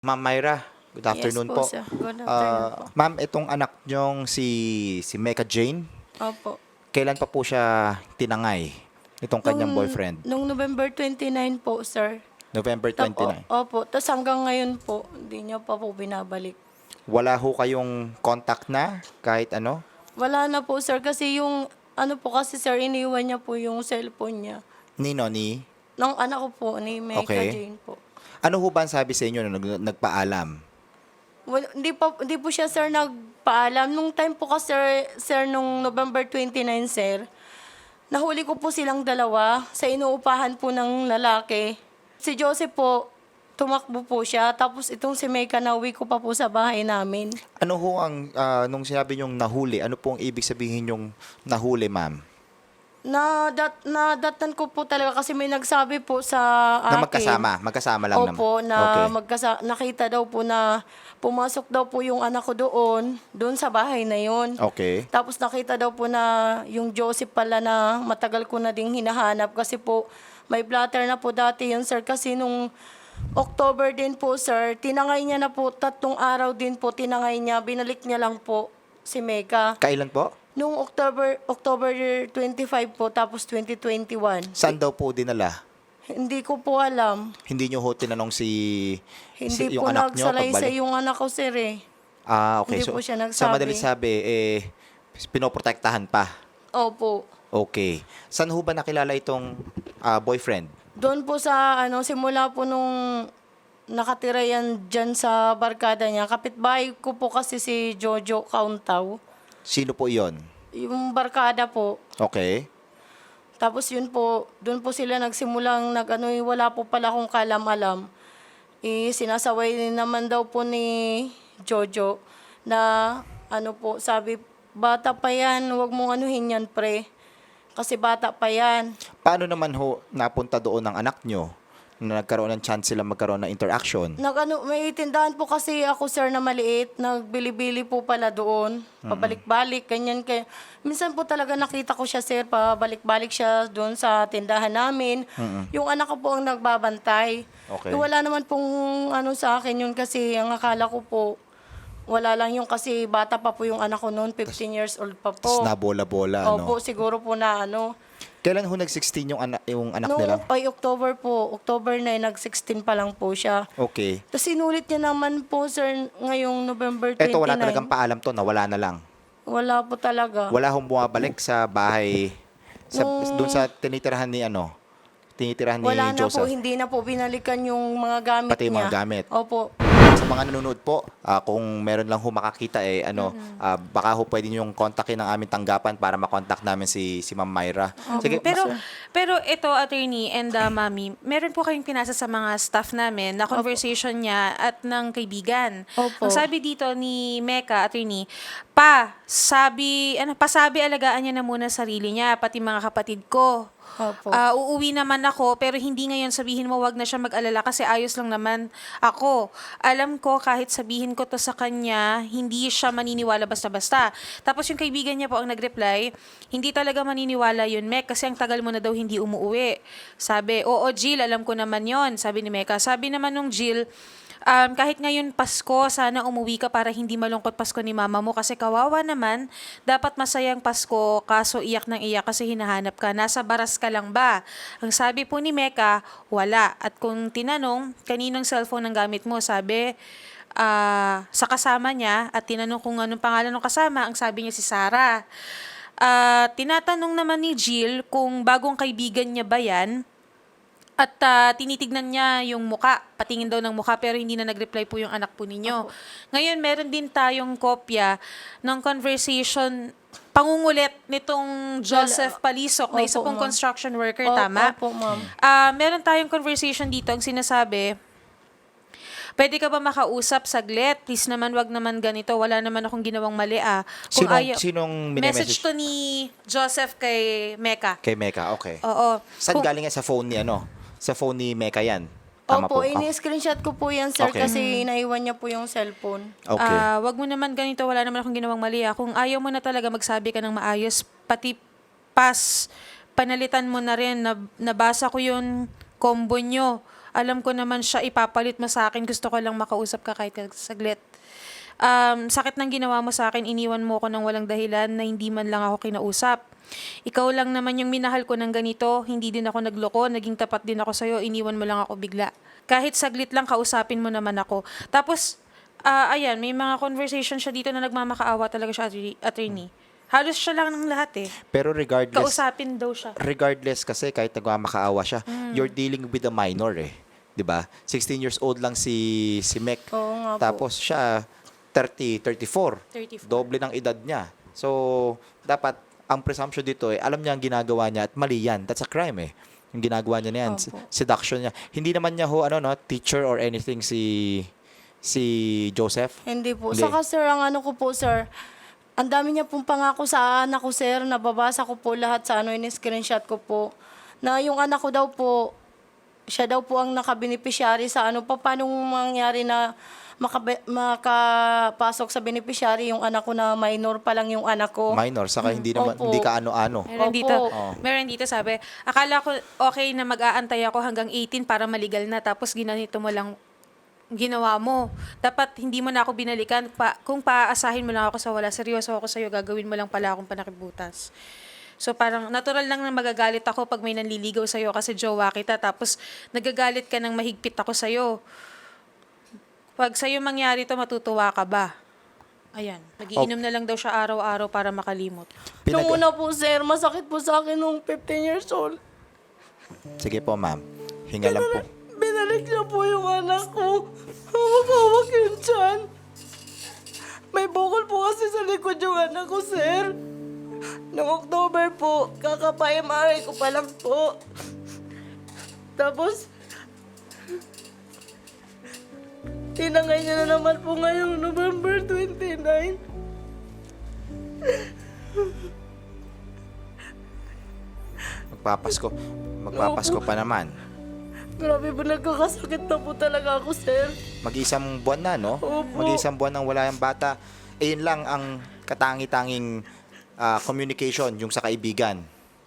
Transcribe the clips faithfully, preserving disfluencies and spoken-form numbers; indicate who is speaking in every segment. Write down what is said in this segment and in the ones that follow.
Speaker 1: Ma'am Myra, good afternoon
Speaker 2: Yes po,
Speaker 1: po.
Speaker 2: sir. Good afternoon
Speaker 1: Ah,
Speaker 2: po.
Speaker 1: ma'am, itong anak niyong si si Mecca Jane,
Speaker 2: Opo.
Speaker 1: kailan pa po siya tinangay? Itong kanyang
Speaker 2: Nung
Speaker 1: boyfriend?
Speaker 2: nung November twenty-nine po, sir.
Speaker 1: November
Speaker 2: Tap o
Speaker 1: twenty-nine.
Speaker 2: opo, tas hanggang ngayon po, hindi niya pa po binabalik.
Speaker 1: Wala ho kayong contact na kahit ano?
Speaker 2: Wala na po, sir, kasi yung ano po kasi, sir, iniwan niya po yung cellphone niya.
Speaker 1: Nino ni?
Speaker 2: Ng anak ko po, ni Mecca
Speaker 1: Okay.
Speaker 2: Jane po.
Speaker 1: Ano ho ba ang sabi sa inyo nung nag- nagpaalam?
Speaker 2: Well, hindi pa hindi po siya, sir, nagpaalam. Nung time po kasi, sir, sir, nung November twenty-nine, sir, nahuli ko po silang dalawa sa inuupahan po ng lalaki. Si Joseph po, tumakbo po siya. Tapos itong si Mecca, nauwi ko pa po sa bahay namin.
Speaker 1: Ano ho ang, ah, nung sinabi niyong nahuli, ano po ang ibig sabihin yung nahuli, ma'am?
Speaker 2: Na dat na datan ko po talaga kasi may nagsabi po sa
Speaker 1: Na
Speaker 2: akin.
Speaker 1: magkasama, magkasama lang naman.
Speaker 2: Opo, na
Speaker 1: Okay.
Speaker 2: magkasa nakita daw po na pumasok daw po yung anak ko doon, doon sa bahay na yon.
Speaker 1: Okay.
Speaker 2: Tapos nakita daw po na yung Joseph pala na matagal ko na ding hinahanap kasi po may blatter na po dati yun, sir, kasi nung October din po, sir, tinangay niya na po, tatlong araw din po tinangay niya, binalik niya lang po si Mecca.
Speaker 1: Kailan po?
Speaker 2: Nung October October twenty-five po, tapos twenty twenty-one.
Speaker 1: Saan daw po dinala?
Speaker 2: Hindi ko po alam.
Speaker 1: Hindi nyo ho tinanong si, si
Speaker 2: Hindi
Speaker 1: yung
Speaker 2: po
Speaker 1: anak nyo
Speaker 2: nagsalaysay
Speaker 1: pagbalik?
Speaker 2: yung anak ko, sir, eh.
Speaker 1: Ah, okay.
Speaker 2: Hindi
Speaker 1: So,
Speaker 2: po siya
Speaker 1: sa
Speaker 2: nagsabi.
Speaker 1: madaling sabi, eh, pinoprotektahan pa.
Speaker 2: Opo.
Speaker 1: Okay. Saan ho ba nakilala itong ah, boyfriend?
Speaker 2: Doon po sa, ano, simula po nung nakatira yan dyan sa barkada niya. Kapitbahay ko po kasi si Jojo Kauntaw.
Speaker 1: Sino po iyon?
Speaker 2: Yung barkada po.
Speaker 1: Okay.
Speaker 2: Tapos yun po, doon po sila nagsimulang nag, ano, eh, wala po pala akong kalam-alam. Eh, sinasaway din naman daw po ni Jojo na, ano po, sabi, bata pa yan, huwag mong anuhin yan, pre. Kasi bata pa yan.
Speaker 1: Paano naman ho napunta doon ng anak nyo na nagkaroon ng chance sila magkaroon ng interaction?
Speaker 2: Nag, ano, may tindahan po kasi ako, sir, na maliit. Nagbili-bili po pala doon. Pabalik-balik, ganyan. Kaya, minsan po talaga nakita ko siya, sir, pabalik-balik siya doon sa tindahan namin. Yung anak ko po ang nagbabantay.
Speaker 1: Okay.
Speaker 2: Eh, wala naman pong ano sa akin yun kasi ang akala ko po, wala lang yung kasi bata pa po yung anak ko noon, fifteen years old pa
Speaker 1: Tapos
Speaker 2: po.
Speaker 1: nabola-bola, ano?
Speaker 2: Opo, siguro po na ano.
Speaker 1: Kailan ho nag-sixteen yung, ana- yung anak
Speaker 2: Noong
Speaker 1: nila?
Speaker 2: ay October po, October nine, nag-sixteen pa lang po siya.
Speaker 1: Okay.
Speaker 2: Tapos sinulit niya naman po, sir, ngayong November twenty-nine.
Speaker 1: Eto, wala talagang paalam to, nawala na lang.
Speaker 2: Wala po talaga.
Speaker 1: Wala hong bumabalik sa bahay, sa,
Speaker 2: Nung-
Speaker 1: doon sa tinitirahan ni ano, tinitirahan ni
Speaker 2: Wala na po,
Speaker 1: Joseph.
Speaker 2: hindi na po binalikan yung mga gamit
Speaker 1: Pati yung
Speaker 2: niya.
Speaker 1: mga gamit.
Speaker 2: Opo.
Speaker 1: Sa mga nanonood po, ah, kung meron lang ho makakita, eh, ano, ah, baka ho pwede niyong kontakin ng aming tanggapan para makontak namin si, si Ma'am Myra. Sige,
Speaker 3: Pero
Speaker 1: mas-
Speaker 3: pero ito, attorney and uh, mami, meron po kayong pinasa sa mga staff namin na conversation niya at ng kaibigan.
Speaker 2: Opo.
Speaker 3: Ang sabi dito ni Mecca, attorney, pa, sabi, ano, pasabi alagaan niya na muna sarili niya, pati mga kapatid ko.
Speaker 2: Opo.
Speaker 3: Ah, uuwi naman ako, pero hindi ngayon sabihin mo wag na siya mag-alala kasi ayos lang naman ako. Alam ko kahit sabihin ko to sa kanya, hindi siya maniniwala basta-basta. Tapos yung kaibigan niya po ang nag-reply, hindi talaga maniniwala yun, Mek, kasi ang tagal mo na daw hindi umuwi. Sabi, oo Jill, alam ko naman yon, sabi ni Mecca. Sabi naman nung Jill, Um, kahit ngayon Pasko, sana umuwi ka para hindi malungkot Pasko ni mama mo kasi kawawa naman, dapat masayang Pasko, kaso iyak ng iyak kasi hinahanap ka. Nasa baras ka lang ba? Ang sabi po ni Mecca, wala. At kung tinanong, kaninong cellphone ang gamit mo? Sabi, ah, sa kasama niya at tinanong kung anong pangalan ng kasama, ang sabi niya si Sarah. Ah, tinatanong naman ni Jill kung bagong kaibigan niya ba yan. At ah, tinitignan niya yung muka, patingin daw ng muka pero hindi na nag-reply po yung anak po ninyo. Ngayon, meron din tayong kopya ng conversation, pangungulit nitong Joseph Palisok na isa
Speaker 2: Opo,
Speaker 3: pong
Speaker 2: ma'am.
Speaker 3: construction worker,
Speaker 2: O-
Speaker 3: tama?
Speaker 2: Opo, ma'am.
Speaker 3: Ah, meron tayong conversation dito ang sinasabi, pwede ka ba makausap saglit? Please naman, wag naman ganito. Wala naman akong ginawang mali ah. Kung
Speaker 1: sinong,
Speaker 3: ayaw-
Speaker 1: sinong
Speaker 3: message
Speaker 1: minemessage
Speaker 3: to ni Joseph kay Mecca.
Speaker 1: kay Mecca? Okay.
Speaker 3: Oo.
Speaker 1: Saan
Speaker 3: Kung-
Speaker 1: galing yan? Sa phone ni ano? Sa phone ni Mecca yan? Tama
Speaker 2: Opo,
Speaker 1: po.
Speaker 2: ini-screenshot ko po yan, sir,
Speaker 1: Okay.
Speaker 2: kasi naiwan niya po yung cellphone.
Speaker 1: Okay.
Speaker 3: Ah, wag mo naman ganito, wala naman akong ginawang mali ah. Kung ayaw mo na talaga magsabi ka ng maayos, pati pas, panalitan mo na rin, nab- nabasa ko yung combo nyo. Alam ko naman siya ipapalit mo sa akin. Gusto ko lang makausap ka kahit saglit. Um, sakit ng ginawa mo sa akin, iniwan mo ko ng walang dahilan na hindi man lang ako kinausap. Ikaw lang naman yung minahal ko ng ganito, hindi din ako nagloko, naging tapat din ako sa'yo, iniwan mo lang ako bigla. Kahit saglit lang, kausapin mo naman ako. Tapos, ah, ayan, may mga conversation siya dito na nagmamakaawa talaga siya, attorney- attorney. Halos siya lang ng lahat eh.
Speaker 1: Pero regardless,
Speaker 3: Kausapin daw siya.
Speaker 1: regardless kasi kahit nagmamakaawa siya, you're dealing with a minor eh. 'Di ba? sixteen years old lang si si Mek.
Speaker 2: Oo nga po.
Speaker 1: Tapos siya thirty, thirty-four.
Speaker 3: thirty-four.
Speaker 1: Doble ng edad niya. So, dapat ang presumption dito eh, alam niya ang ginagawa niya at mali yan. That's a crime eh. Yung ginagawa niya na yan,
Speaker 2: Opo.
Speaker 1: seduction niya. Hindi naman niya ho ano no, teacher or anything si si Joseph.
Speaker 2: Hindi po.
Speaker 1: Hindi.
Speaker 2: Saka sir, ang ano ko po sir, ang dami niya pong pangako sa anak ko sir, nababasa ko po lahat sa ano, in-screenshot ko po, na yung anak ko daw po, siya daw po ang nakabeneficiary sa ano, pa, paano mangyari na makabe, makapasok sa beneficiary yung anak ko na minor pa lang yung anak ko.
Speaker 1: Minor, saka hindi naman
Speaker 2: Opo.
Speaker 1: hindi ka ano-ano.
Speaker 3: Meron
Speaker 2: Opo.
Speaker 3: dito,
Speaker 1: Oo.
Speaker 3: meron dito sabi, akala ko okay na mag-aantay ako hanggang eighteen para maligal na, tapos ginanito mo lang ginawa mo. Dapat hindi mo na ako binalikan. Pa, kung paaasahin mo lang ako sa wala, seryoso ako sa'yo, gagawin mo lang pala akong panakibutas. So parang natural lang na magagalit ako pag may nanliligaw sa'yo kasi jowa kita, tapos nagagalit ka ng mahigpit ako sa'yo. Pag sa'yo mangyari to, matutuwa ka ba? Ayan, nagiinom na lang daw siya araw-araw para makalimot.
Speaker 2: Nung
Speaker 1: Pinag-
Speaker 2: una po sir, masakit po sa akin nung fifteen years old.
Speaker 1: Sige po, ma'am. Hinga lang po.
Speaker 2: Binalik niya po yung anak ko. Hawak-hawak yun dyan. May bukol po kasi sa likod yung anak ko, sir. Noong October po, kakapa-M R I ko pa lang po. Tapos, tinangay niya na naman po ngayong November twenty-nine.
Speaker 1: Magpapasko. Magpapasko pa naman.
Speaker 2: Grabe po, nagkakasakit na po talaga ako, sir.
Speaker 1: Mag-isang buwan na, no?
Speaker 2: Opo.
Speaker 1: Mag-isang buwan nang wala yung bata. Eh, yun lang ang katangi-tanging ah, communication, yung sa kaibigan.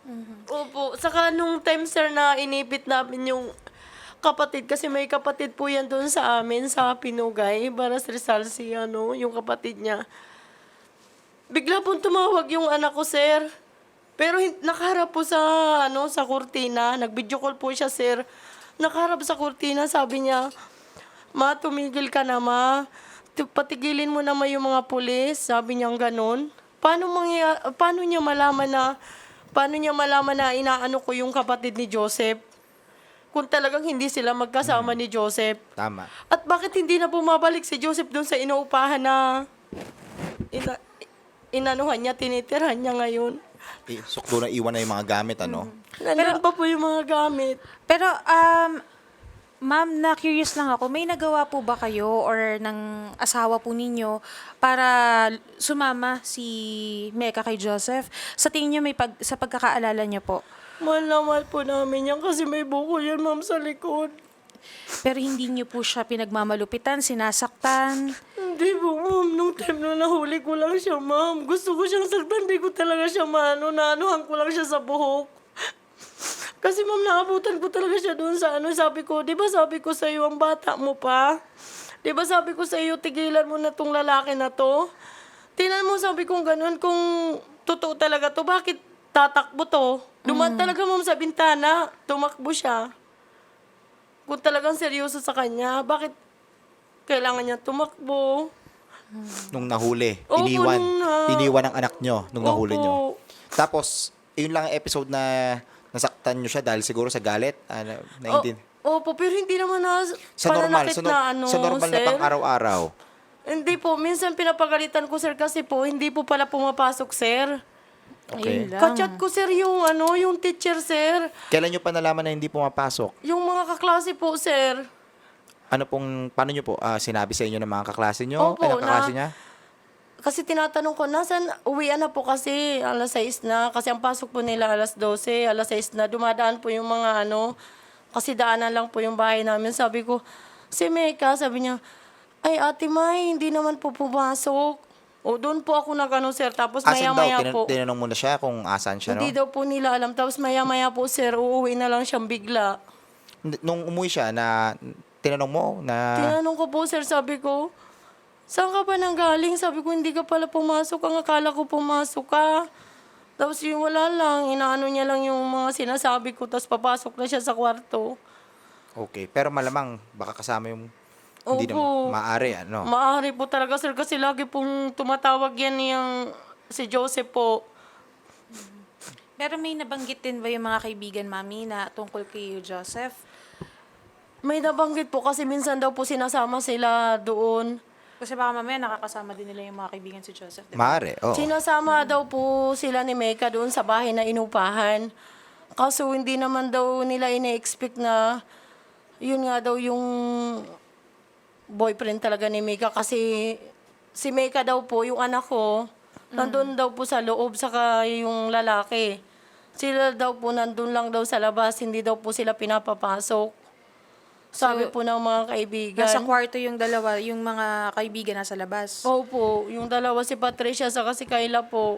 Speaker 2: Opo. Saka nung time, sir, na inipit namin yung kapatid, kasi may kapatid po yan doon sa amin, sa Pinugay, Baras Rizal, si ano, yung kapatid niya. Bigla pong tumawag yung anak ko, sir. Pero hin- nakaharap po sa, ano, sa kurtina. Nag-video call po siya, sir. Nakaharap sa kurtina, sabi niya, "Ma, tumigil ka na, ma. Tu- Patigilin mo naman yung mga pulis." Sabi niya ganun. Paano, mangya- paano niya malaman na, paano niya malaman na inaano ko yung kapatid ni Joseph? Kung talagang hindi sila magkasama ni Joseph.
Speaker 1: Tama.
Speaker 2: At bakit hindi na bumabalik si Joseph doon sa inuupahan na ina, inanuhan niya, tinitirhan niya ngayon?
Speaker 1: Eh, sukdo na iwan na yung mga gamit, ano?
Speaker 2: Nandun pa po yung mga gamit.
Speaker 3: Pero, um, ma'am, na-curious lang ako, may nagawa po ba kayo or ng asawa po ninyo para sumama si Mecca kay Joseph? Sa tingin niyo, may pag, sa pagkakaalala niyo po?
Speaker 2: Mahal na mahal po namin yan kasi may buko yan, ma'am, sa likod.
Speaker 3: Pero hindi niyo po siya pinagmamalupitan, sinasaktan?
Speaker 2: Hindi po, ma'am. Nung time na nahuli ko lang siya, ma'am. Gusto ko siyang saktan, di ko talaga siya maano. Naanuhan ko lang siya sa buhok. Kasi ma'am, naabutan ko talaga siya doon sa ano. Sabi ko, di ba sabi ko sa iyo, ang bata mo pa? Di ba sabi ko sa iyo, tigilan mo na tong lalaki na to? Tinan mo, sabi ko ganun, kung totoo talaga to, bakit tatakbo to? Duman talaga ma'am sa bintana, tumakbo siya. Kung talagang seryoso sa kanya, bakit kailangan niya tumakbo?
Speaker 1: Nung nahuli,
Speaker 2: Opo,
Speaker 1: iniwan.
Speaker 2: nung na-
Speaker 1: Iniwan ang anak nyo nung nahuli
Speaker 2: Opo.
Speaker 1: nyo. Tapos, yun lang ang episode na nasaktan nyo siya dahil siguro sa galit. Ah, na, naintin-
Speaker 2: O, opo, pero hindi naman na
Speaker 1: sa normal,
Speaker 2: pananakit
Speaker 1: sa, no-
Speaker 2: na ano,
Speaker 1: sa normal na
Speaker 2: sir.
Speaker 1: pang araw-araw.
Speaker 2: Hindi po, minsan pinapagalitan ko, sir, kasi po, hindi po pala pumapasok, sir.
Speaker 1: Okay.
Speaker 3: Ayun lang.
Speaker 2: Kachat ko, sir, yung ano, yung teacher, sir.
Speaker 1: Kailan nyo pa nalaman na hindi pumapasok?
Speaker 2: Yung mga kaklase po, sir.
Speaker 1: Ano pong, paano nyo po, ah, sinabi sa inyo ng mga kaklase nyo?
Speaker 2: Opo,
Speaker 1: Ay, ng kaklase
Speaker 2: na-
Speaker 1: niya?
Speaker 2: Kasi tinatanong ko, nasan, uwian na po kasi, alas sais na. Kasi ang pasok po nila alas dose, alas sais na. Dumadaan po yung mga ano, kasi daanan lang po yung bahay namin. Sabi ko, si Mecca, sabi niya, ay Ate May, hindi naman po pumasok. O doon po ako nagano, sir. Tapos
Speaker 1: Asan daw?
Speaker 2: maya-maya
Speaker 1: Tinan-
Speaker 2: po.
Speaker 1: tinanong mo na siya kung asan siya, no?
Speaker 2: Hindi daw po nila alam. Tapos maya-maya po, sir, uuwi na lang siyang bigla.
Speaker 1: N- Nung umuwi siya, na tinanong mo na...
Speaker 2: Tinanong ko po, sir, sabi ko, saan ka ba nanggaling? Sabi ko, hindi ka pala pumasok. Ang akala ko pumasok ka. Tapos yung wala lang, inaano niya lang yung mga sinasabi ko, tapos papasok na siya sa kwarto.
Speaker 1: Okay, pero malamang baka kasama yung... Hindi
Speaker 2: Opo.
Speaker 1: na maaari, ano?
Speaker 2: Maaari po talaga, sir, kasi lagi pong tumatawag yan yung si Joseph po.
Speaker 3: Pero may nabanggit din ba yung mga kaibigan, Mami, na tungkol kay Joseph?
Speaker 2: May nabanggit po kasi minsan daw po sinasama sila doon.
Speaker 3: Kasi baka mamaya nakakasama din nila yung mga kaibigan si Joseph, di ba?
Speaker 1: Maaari, oo.
Speaker 2: Sinasama daw po sila ni Mecca doon sa bahay na inupahan. Kaso hindi naman daw nila ine-expect na yun nga daw yung boyfriend talaga ni Mecca. Kasi si Mecca daw po, yung anak ko, nandun daw po sa loob, saka yung lalaki. Sila daw po nandun lang daw sa labas, hindi daw po sila pinapapasok. Sabi
Speaker 3: So,
Speaker 2: po ng mga kaibigan.
Speaker 3: Nasa kwarto yung dalawa, yung mga kaibigan nasa labas.
Speaker 2: Opo, yung dalawa si Patricia saka si Kayla po.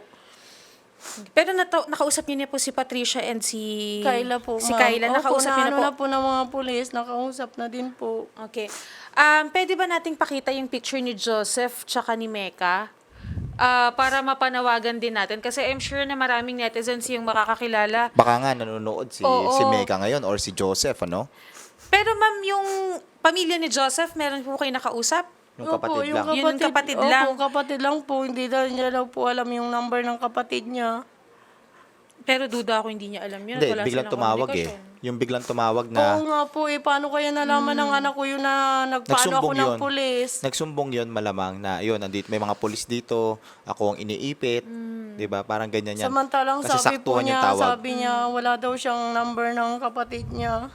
Speaker 3: Pero nata- nakausap niyo niya po si Patricia and si...
Speaker 2: Kayla po,
Speaker 3: Si
Speaker 2: ma'am.
Speaker 3: Kayla, nakausap
Speaker 2: Opo,
Speaker 3: niyo na
Speaker 2: naano
Speaker 3: po.
Speaker 2: na po ng mga pulis, nakausap na din po.
Speaker 3: Okay. Um, pwede ba nating pakita yung picture ni Joseph tsaka ni Mecca? Ah, para mapanawagan din natin. Kasi I'm sure na maraming netizens yung makakakilala.
Speaker 1: Baka nga nanonood si,
Speaker 3: Oo.
Speaker 1: si Mecca ngayon or si Joseph, ano?
Speaker 3: Pero ma'am, yung pamilya ni Joseph, meron po kayo nakausap?
Speaker 1: Yung kapatid lang.
Speaker 3: Yun yung kapatid lang.
Speaker 2: Opo, kapatid lang po. Hindi daw niya daw po alam yung number ng kapatid niya.
Speaker 3: Pero duda ako hindi niya alam yun.
Speaker 1: Hindi,
Speaker 3: Wala
Speaker 1: biglang
Speaker 3: silang
Speaker 1: tumawag eh.
Speaker 3: komunikasyon.
Speaker 1: Yung biglang tumawag
Speaker 2: Oo
Speaker 1: na
Speaker 2: nga po eh. Paano kaya nalaman ng anak ko yun na nagpaano ako
Speaker 1: nagsumbong
Speaker 2: ng
Speaker 1: yun.
Speaker 2: pulis?
Speaker 1: Nagsumbong yun malamang na yun, andito, may mga pulis dito, ako ang iniipit, di ba? Parang ganyan yan.
Speaker 2: Samantalang
Speaker 1: Kasi
Speaker 2: sabi po
Speaker 1: saktuhan yung
Speaker 2: niya,
Speaker 1: tawag.
Speaker 2: sabi niya, wala daw siyang number ng kapatid niya.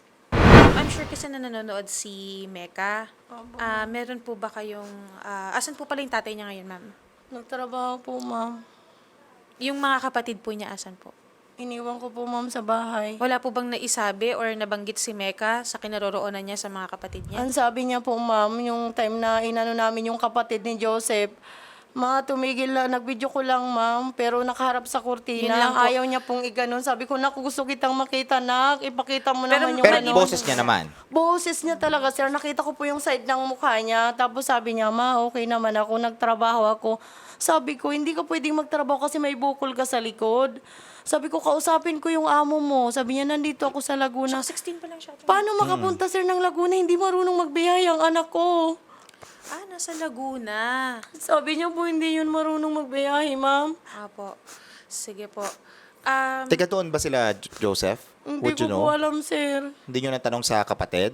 Speaker 3: I'm sure kasi na nanonood si Mecca. Ah, meron po ba kayong... ah, asan po pala yung tatay niya ngayon, ma'am?
Speaker 2: Nagtrabaho po, ma'am.
Speaker 3: Yung mga kapatid po niya, asan po?
Speaker 2: Iniwan ko po, ma'am, sa bahay.
Speaker 3: Wala po bang naisabi or nabanggit si Mecca sa kinaroroonan niya sa mga kapatid niya?
Speaker 2: Ang sabi niya po, ma'am, yung time na inano namin yung kapatid ni Joseph, ma, tumigil lang, nag-video ko lang, ma'am, pero nakaharap sa
Speaker 3: Yun lang
Speaker 2: kurtina.
Speaker 3: po.
Speaker 2: Ayaw niya pong iganon. Sabi ko, naku, gusto kitang makita, nak. Ipakita mo
Speaker 3: Pero-
Speaker 2: naman yung
Speaker 1: Pero
Speaker 2: ano.
Speaker 1: boses niya naman.
Speaker 2: Boses niya talaga, sir. Nakita ko po yung side ng mukha niya. Tapos sabi niya, ma, okay naman ako. Nagtrabaho ako. Sabi ko, hindi ka pwedeng magtrabaho kasi may bukol ka sa likod. Sabi ko, kausapin ko yung amo mo. Sabi niya, nandito ako sa Laguna.
Speaker 3: So, sixteen pa lang siya.
Speaker 2: Paano makapunta, sir, ng Laguna? Hindi marunong magbiyaya ang anak ko.
Speaker 3: Ah, nasa Laguna.
Speaker 2: Sabi niya po, hindi yun marunong magbiyahe, ma'am.
Speaker 3: Apo. Sige po. Um,
Speaker 1: Teka, doon ba sila, J- Joseph?
Speaker 2: Hindi
Speaker 1: Would
Speaker 2: ko
Speaker 1: you know?
Speaker 2: po alam, sir.
Speaker 1: Hindi nyo natanong sa kapatid?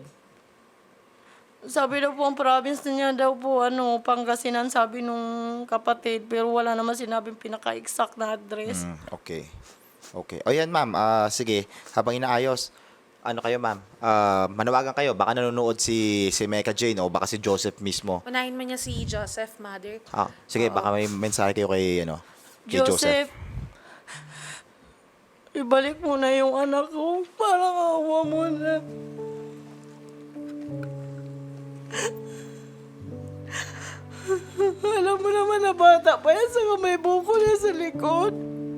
Speaker 2: Sabi daw po, ang province niya daw po, ano, Pangasinan, sabi nung kapatid. Pero wala naman sinabing pinaka-exact na address.
Speaker 1: Mm, okay. Okay. O yan, ma'am. Ah, sige, habang inaayos, ano kayo, ma'am? Ah, manawagan kayo. Baka nanonood si, si Mecca Jane o baka si Joseph mismo.
Speaker 3: unahin mo niya si Joseph, mother.
Speaker 1: Ah, sige, baka may mensahe kayo kay, ano, kay Joseph.
Speaker 2: Joseph, ibalik mo na yung anak ko. Parang awa mo na. Alam mo naman na bata pa yan, saka may buko na sa likod.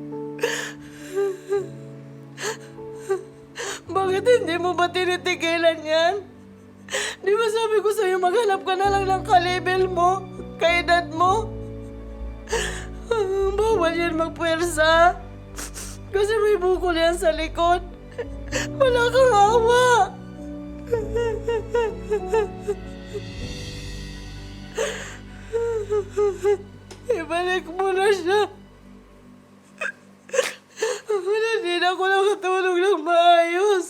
Speaker 2: Bakit hindi mo ba tinitigilan yan? Di ba sabi ko sa'yo, maghanap ka na lang ng kalibel mo, kaedad mo? Bawal yan magpwersa. Kasi may bukol yan sa likod. Wala kang awa. Ibalik mo na siya. Wala din ako nakatulog ng maayos.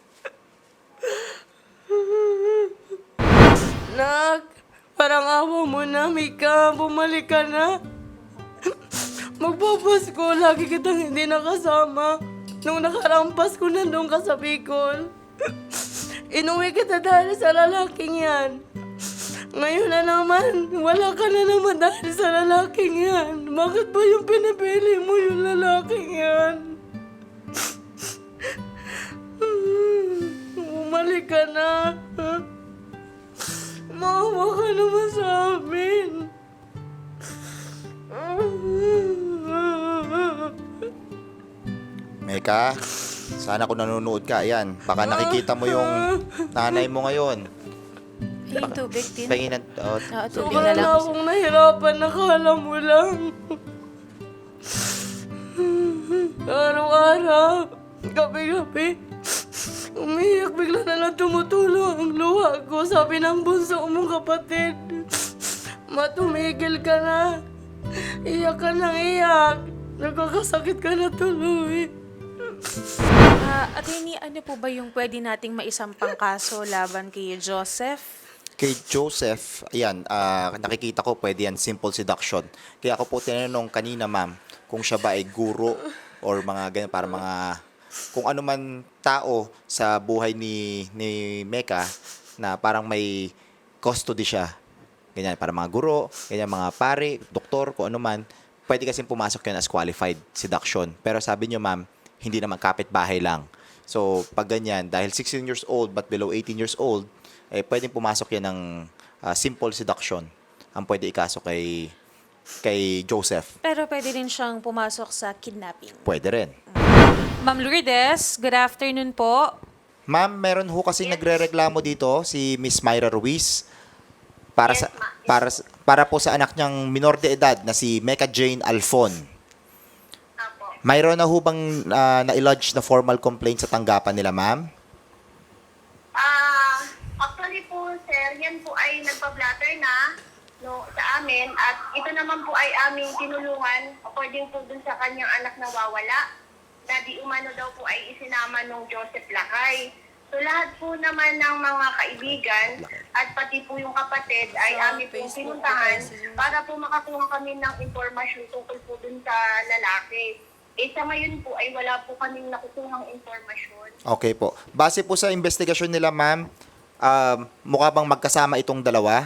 Speaker 2: Nak, parang awa mo na, Mika. Bumalik ka na. Magpapasko, lagi kitang hindi nakasama. Nung nakaraang Pasko, nandun ka sa Bicol. Inuwi kita dahil sa lalaking yan. Ngayon na naman, wala ka na naman dahil sa lalaking yan. Bakit ba yung pinipili mo yung lalaking yan? Umalik ka na. Maawa ka naman sa amin.
Speaker 1: Mecca, Sana kung nanonood ka, ayan, baka nakikita mo yung nanay mo ngayon.
Speaker 3: Yung tubig din.
Speaker 1: Pahingin ng, oh,
Speaker 3: Oo, tubig
Speaker 2: Sobra
Speaker 3: na lang.
Speaker 2: na akong nahirapan, nakala mo lang. Araw-araw, gabi-gabi, umiyak, bigla na lang tumutulo ang luha ko. Sabi ng bunso mong kapatid, matumigil ka na. Iyak ka nang iyak. Nagkakasakit ka na tuloy.
Speaker 3: Ah, attorney, ano po ba yung pwede nating maisampang kaso laban kay Joseph?
Speaker 1: kay Joseph, ayan, ah, nakikita ko pwede yan, simple seduction. Kaya ako po tinanong kanina, ma'am, kung siya ba ay guro or mga ganyan, para mga, kung ano man tao sa buhay ni, ni Mecca na parang may custody siya. Ganyan, para mga guro, ganyan, mga pare, doktor, kung ano man, pwede kasing pumasok yun as qualified seduction. Pero sabi niyo, ma'am, hindi naman kapitbahay lang. So, pag ganyan, dahil sixteen years old but below eighteen years old, eh, pwedeng pumasok yan ng ah, simple seduction. Ang pwede ikaso kay, kay Joseph.
Speaker 3: Pero pwede rin siyang pumasok sa kidnapping.
Speaker 1: Pwede rin.
Speaker 3: Ma'am Lourdes, good afternoon po.
Speaker 1: Ma'am, meron ho kasi nagrereklamo dito si Miss Myra Ruiz para sa para sa- para po sa anak niyang minor de edad na si Mecca Jane Alfon. Mayroon na ho bang ah, na-lodge na formal complaint sa tanggapan nila, ma'am?
Speaker 4: Ah, actually po, sir, yan po ay nagpa-blatter na no, sa amin at ito naman po ay aming tinulungan according po dun sa kanyang anak na wawala na di umano daw po ay isinama nung Joseph Lakay. So lahat po naman ng mga kaibigan at pati po yung kapatid ay
Speaker 2: Sa
Speaker 4: amin pong
Speaker 2: Facebook
Speaker 4: pinuntahan
Speaker 2: po kasi yun.
Speaker 4: para po makakuha kami ng impormasyon tungkol po dun sa lalaki. Eh sa ngayon po ay wala po kaming nakukuhang impormasyon.
Speaker 1: Okay po. Base po sa investigasyon nila, ma'am, um, mukha bang magkasama itong dalawa?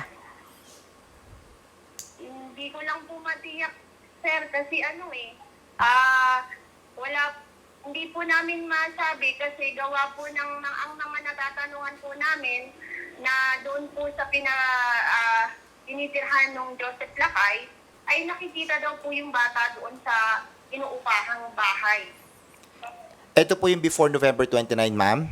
Speaker 4: Hindi ko lang po matiyak, sir, kasi ano eh, ah, wala, hindi po namin masabi kasi gawa po ng, ng ang mga natatanungan po namin na doon po sa pina, ah, tinitirhan ng Joseph Lakay, ay nakikita daw po yung bata doon sa inuupahang bahay.
Speaker 1: Ito po yung before November twenty-nine, ma'am?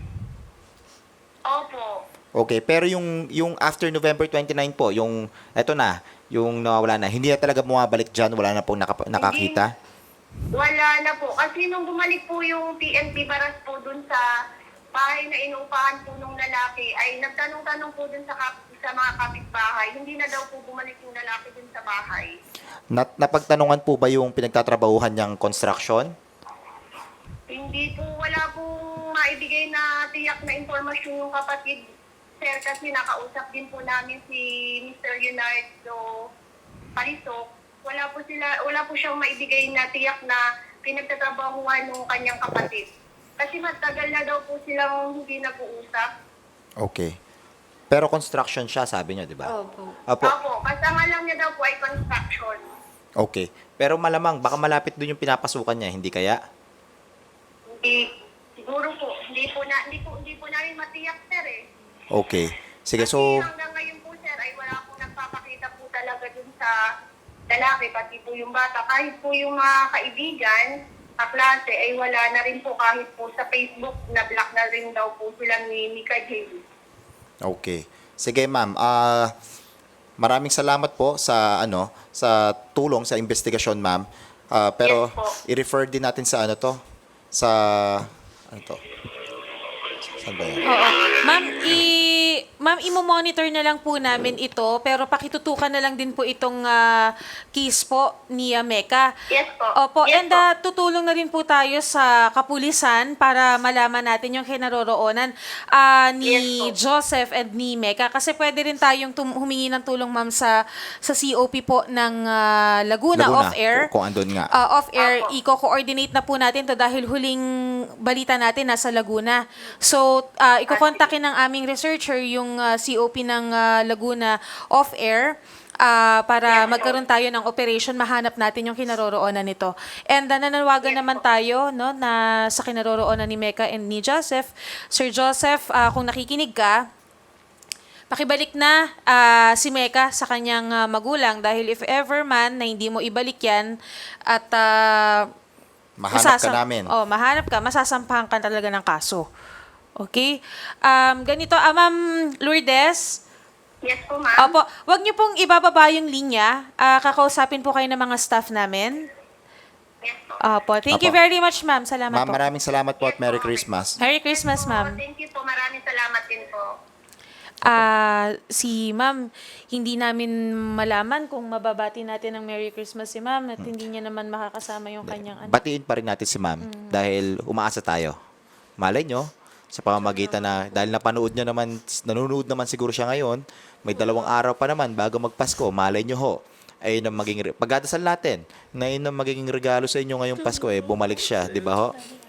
Speaker 4: Opo.
Speaker 1: Okay, pero yung yung after November twenty-nine po, yung eto na, yung nawawala na, hindi na talaga bumabalik diyan, wala na pong naka- nakakita.
Speaker 4: Wala na po. Kasi nung bumalik po yung P N P Baras po dun sa bahay na inuupahan po nung lalaki, ay nagtanong-tanong po dun sa, kap- sa mga kapitbahay. Hindi na daw po bumalik yung lalaki dun sa bahay.
Speaker 1: Nat napagtanungan po ba yung pinagtatrabahuhan niyang construction?
Speaker 4: Hindi po, wala pong maibigay na tiyak na impormasyon yung kapatid, sir, kasi nakausap din po namin si Mister Leonardo Parisok. Wala po sila, wala po siyang maibigay na tiyak na pinagtatrabahuhan ng kanyang kapatid. Kasi matagal na daw po silang hindi nag-uusap.
Speaker 1: Okay. Pero construction siya, sabi niyo, di ba?
Speaker 2: Opo.
Speaker 1: Opo.
Speaker 4: Opo, kasama lang niya daw po ay construction.
Speaker 1: Okay. Pero malamang, baka malapit doon yung pinapasukan niya, hindi kaya?
Speaker 4: Hindi, siguro po, hindi po, na, hindi po, hindi po namin matiyak, sir eh.
Speaker 1: Okay. Sige,
Speaker 4: Kasi
Speaker 1: so,
Speaker 4: hanggang ngayon po, sir, ay wala po nagpapakita po talaga dun sa lalaki, pati po yung bata. Kahit po yung mga kaibigan, kaklase, ay wala na rin po kahit po sa Facebook, na-block na rin daw po sila ni Mika Jane.
Speaker 1: okay. Sige, ma'am. Ah, maraming salamat po sa ano, sa tulong sa investigasyon, ma'am. Ah, pero
Speaker 4: Yes po.
Speaker 1: i-refer din natin sa ano to, sa ano to? Saan ba yan?
Speaker 3: Oo. Ma'am, i Ma'am, imo-monitor na lang po namin ito, pero pakitutukan na lang din po itong ah, case po ni ah, Mecca.
Speaker 4: Yes po.
Speaker 3: Opo,
Speaker 4: Yes
Speaker 3: and
Speaker 4: po.
Speaker 3: ah, tutulong na rin po tayo sa kapulisan para malaman natin yung kinaroroonan ah, ni
Speaker 4: Yes po.
Speaker 3: Joseph and ni Mecca. Kasi pwede rin tayong tum- humingi ng tulong, ma'am, sa, sa C O P po ng ah, Laguna,
Speaker 1: Laguna,
Speaker 3: off-air.
Speaker 1: kung- kung andun nga.
Speaker 3: Ah, off-air,
Speaker 4: Apo.
Speaker 3: i-coordinate na po natin to dahil huling balita natin nasa Laguna. So, uh, ikokontakin ng aming researcher yung ah, C O P ng ah, Laguna off-air ah, para magkaroon tayo ng operation, mahanap natin yung kinaroroonan nito. And uh, nananawagan naman tayo no, na sa kinaroroonan ni Mecca and ni Joseph. Sir Joseph, ah, kung nakikinig ka, pakibalik na ah, si Mecca sa kanyang ah, magulang dahil if ever man na hindi mo ibalik yan at ah,
Speaker 1: Mahanap ka namin.
Speaker 3: Oh, mahanap ka, masasampahan ka talaga ng kaso. Okay? Um, ganito, ah, Ma'am Lourdes,
Speaker 4: Yes po, ma'am.
Speaker 3: opo, wag niyo pong ibababa yung linya. Ah, kakausapin po kayo ng mga staff namin.
Speaker 4: Yes po.
Speaker 3: Opo, thank you
Speaker 1: Opo.
Speaker 3: very much, ma'am. Salamat
Speaker 1: Ma'am,
Speaker 3: po.
Speaker 1: maraming salamat po at Merry Christmas.
Speaker 3: Merry Christmas,
Speaker 4: Po,
Speaker 3: ma'am.
Speaker 4: Thank you po. Maraming salamat din po.
Speaker 3: Ah, si ma'am, hindi namin malaman kung mababati natin ng Merry Christmas si ma'am at hindi niya naman makakasama yung kanyang anak.
Speaker 1: Batiin pa rin natin si ma'am dahil umaasa tayo. Malay nyo, sa pamamagitan na, dahil napanood niya naman, nanonood naman siguro siya ngayon, may dalawang araw pa naman bago magpasko, malay nyo ho, ayun ang maging, re- pagdadasal natin, na yun ang magiging regalo sa inyo ngayong Pasko, eh, bumalik siya, di ba ho?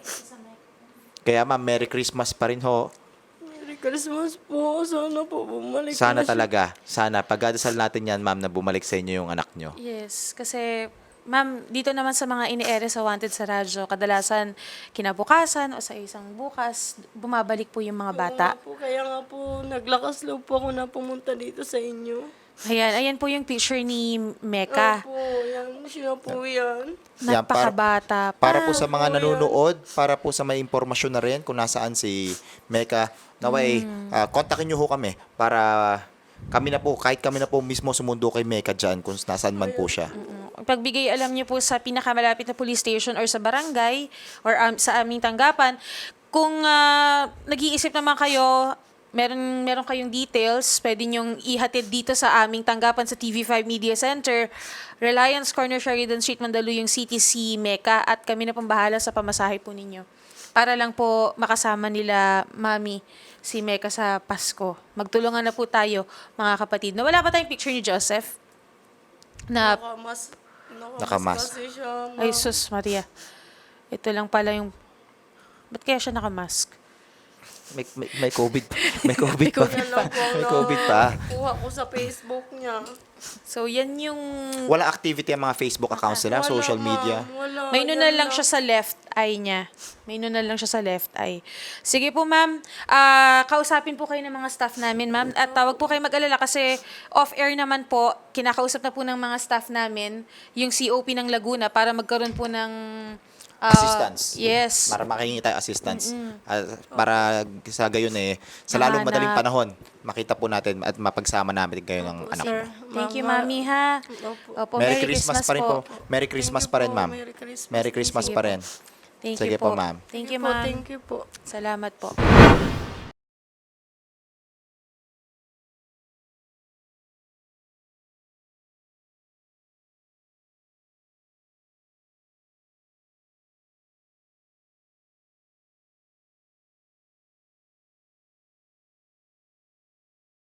Speaker 1: Kaya ma'am, Merry Christmas pa rin ho.
Speaker 2: Merry Christmas po. Sana po bumalik
Speaker 1: Sana
Speaker 2: na siya.
Speaker 1: talaga, sana, pagdadasal natin yan ma'am, na bumalik sa inyo yung anak nyo.
Speaker 3: Yes, kasi ma'am, dito naman sa mga ini-ere sa Wanted sa radyo, kadalasan kinabukasan o sa isang bukas, bumabalik po yung mga bata.
Speaker 2: Oo nga po, kaya nga po, naglakas loob po ako na pumunta dito sa inyo.
Speaker 3: Ayan, ayan po yung picture ni Mecca.
Speaker 2: Opo, yan. Siya po yan.
Speaker 1: Yan, para-
Speaker 3: Napakabata pa.
Speaker 1: Para po sa mga nanonood, para po sa may impormasyon na rin kung nasaan si Mecca, naway, ah, kontakin nyo ho kami para kami na po, kahit kami na po mismo sumundo kay Mecca dyan kung nasaan man po siya.
Speaker 3: Pagbigay alam niyo po sa pinakamalapit na police station or sa barangay or um, sa aming tanggapan, kung ah, nag-iisip naman kayo, meron meron kayong details, pwede niyong ihatid dito sa aming tanggapan sa T V five Media Center, Reliance Corner, Sheridan Street, Mandaluyong City, si Mecca, at kami na pong bahala sa pamasahe po ninyo. Para lang po makasama nila Mami si Mecca sa Pasko. Magtulungan na po tayo, mga kapatid. Nawala ba tayong picture ni Joseph? Na
Speaker 2: Nakamas. Nakamas,
Speaker 1: Nakamas.
Speaker 2: kasi siya. ma'am.
Speaker 3: ay, sus, Maria. Ito lang pala yung... Ba't kaya siya nakamask?
Speaker 1: May, may, may COVID. May COVID pa.
Speaker 2: Yan lang po ang
Speaker 1: May COVID pa.
Speaker 2: Kuha ko sa Facebook niya.
Speaker 3: So, yan yung...
Speaker 1: Wala activity ang mga Facebook accounts nila,
Speaker 2: Wala,
Speaker 1: social
Speaker 2: ma'am.
Speaker 1: media.
Speaker 2: Wala.
Speaker 3: May nunal
Speaker 2: Yan
Speaker 3: lang siya sa left eye niya. May nunal lang siya sa left eye. Sige po, ma'am. Ah, kausapin po kayo ng mga staff namin, ma'am. At tawag po kayo mag-alala kasi off-air naman po, kinakausap na po ng mga staff namin yung C O P ng Laguna para magkaroon po ng... ah,
Speaker 1: Assistance.
Speaker 3: Yes.
Speaker 1: Para makahingi tayo assistance. Ah, para sa gayon eh, sa lalong
Speaker 3: Mahanap.
Speaker 1: madaling panahon, makita po natin at mapagsama namin kayo ng anak
Speaker 2: Sir,
Speaker 1: mo.
Speaker 3: Thank you,
Speaker 2: ma'am.
Speaker 3: mami, ha?
Speaker 2: Opo.
Speaker 3: Opo,
Speaker 1: Merry, Christmas, pa rin po. Merry Christmas
Speaker 2: Thank
Speaker 1: pa
Speaker 2: you
Speaker 1: rin,
Speaker 2: po.
Speaker 1: ma'am.
Speaker 2: Merry Christmas.
Speaker 1: Merry Christmas
Speaker 3: Sige
Speaker 1: pa
Speaker 3: po.
Speaker 1: rin.
Speaker 3: Thank
Speaker 1: Sige
Speaker 3: you po.
Speaker 1: po, ma'am.
Speaker 3: Thank you,
Speaker 2: po,
Speaker 3: ma'am.
Speaker 2: Thank you po.
Speaker 3: Salamat po.